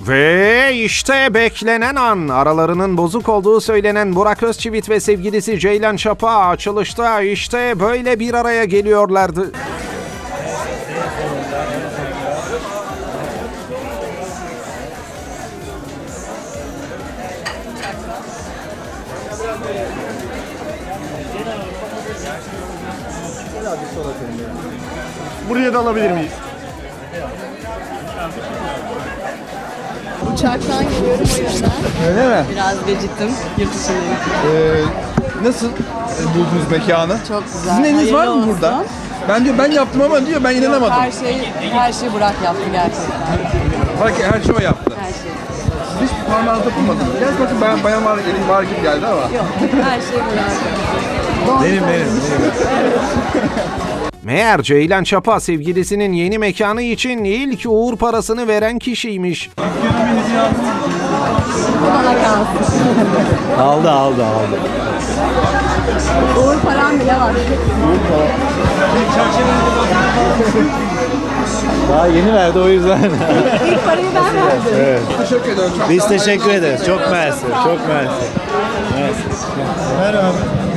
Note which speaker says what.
Speaker 1: Ve işte beklenen an. Aralarının bozuk olduğu söylenen Burak Özçivit ve sevgilisi Ceylan Çapa açılışta işte böyle bir araya geliyorlardı.
Speaker 2: Buraya da alabilir miyiz?
Speaker 3: Uçaktan geliyorum o yüzden.
Speaker 2: Öyle mi?
Speaker 3: Biraz geciktim. Yurt dışındayım.
Speaker 2: Nasıl buldunuz mekanı?
Speaker 3: Çok güzel.
Speaker 2: Sizin eliniz var
Speaker 3: Hayırlı
Speaker 2: mı
Speaker 3: olsun.
Speaker 2: burada? Ben yaptım ama diyor ben inanamadım.
Speaker 3: Her şeyi Burak yaptı gerçekten.
Speaker 2: Her şey o yaptı.
Speaker 3: Her şey.
Speaker 2: Siz hiç parmağınızda dokunmadınız. Gerçi bakın ben bayan var, elim var gibi geldi ama.
Speaker 3: Yok. Her şey Burak.
Speaker 2: Benim.
Speaker 1: Meğer Ceylan Çapa sevgilisinin yeni mekanı için ilk uğur parasını veren kişiymiş.
Speaker 3: Bana kalsın.
Speaker 4: Aldı.
Speaker 3: Uğur param bile var.
Speaker 4: Daha yeni verdi o yüzden.
Speaker 3: İlk parayı ben verdim.
Speaker 2: Teşekkür ederim. Çok
Speaker 4: Biz
Speaker 2: sağ olun.
Speaker 4: teşekkür ederiz. Çok mersi. Çok mersi.